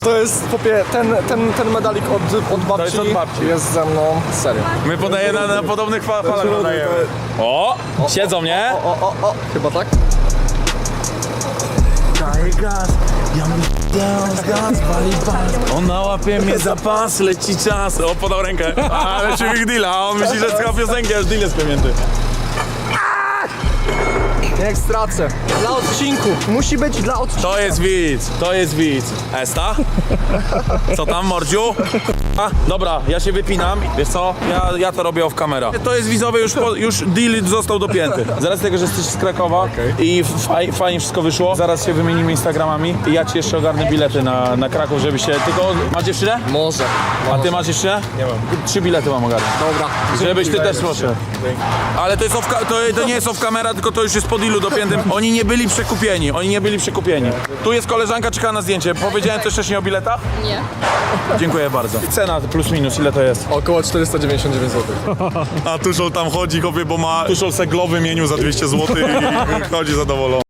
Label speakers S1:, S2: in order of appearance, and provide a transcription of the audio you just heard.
S1: To jest, popie, ten medalik od babci,
S2: To jest od babci.
S1: jest ze mną, serio.
S2: My podajemy na podobnych falach podajemy. O! Siedzą, nie?
S1: O, chyba tak?
S2: Daję gaz, ja mi gaz, wali pas. On nałapie mnie za pas, leci czas. O, podał rękę. Ale czy big deal, a on myśli, że słucha piosenki, aż deal jest pamięty.
S1: Niech stracę. Dla odcinku. Musi być dla odcinku.
S2: To jest widz. Esta? Co tam, mordziu? A, dobra, ja się wypinam. Wiesz co? Ja to robię off camera. To jest widzowie, już deal został dopięty. Z racji tego, że jesteś z Krakowa i fajnie wszystko wyszło, zaraz się wymienimy Instagramami i ja ci jeszcze ogarnę bilety na Kraków, żeby się... Tylko... Masz dziewczynę?
S1: Może.
S2: A ty masz jeszcze? Nie mam. 3 bilety mam ogarnąć.
S1: Dobra.
S2: Żebyś ty też proszę. Ale to, jest to nie jest off camera, tylko to już jest po dealu dopiętym. Oni nie byli przekupieni. Tu jest koleżanka, czeka na zdjęcie. Powiedziałem coś wcześniej o biletach?
S3: Nie.
S2: Dziękuję bardzo. Cena plus minus, ile to jest?
S1: Około 499 zł.
S2: A Tuszol tam chodzi, kopie, bo ma Tuszol seglowy menu za 200 zł i chodzi zadowolony.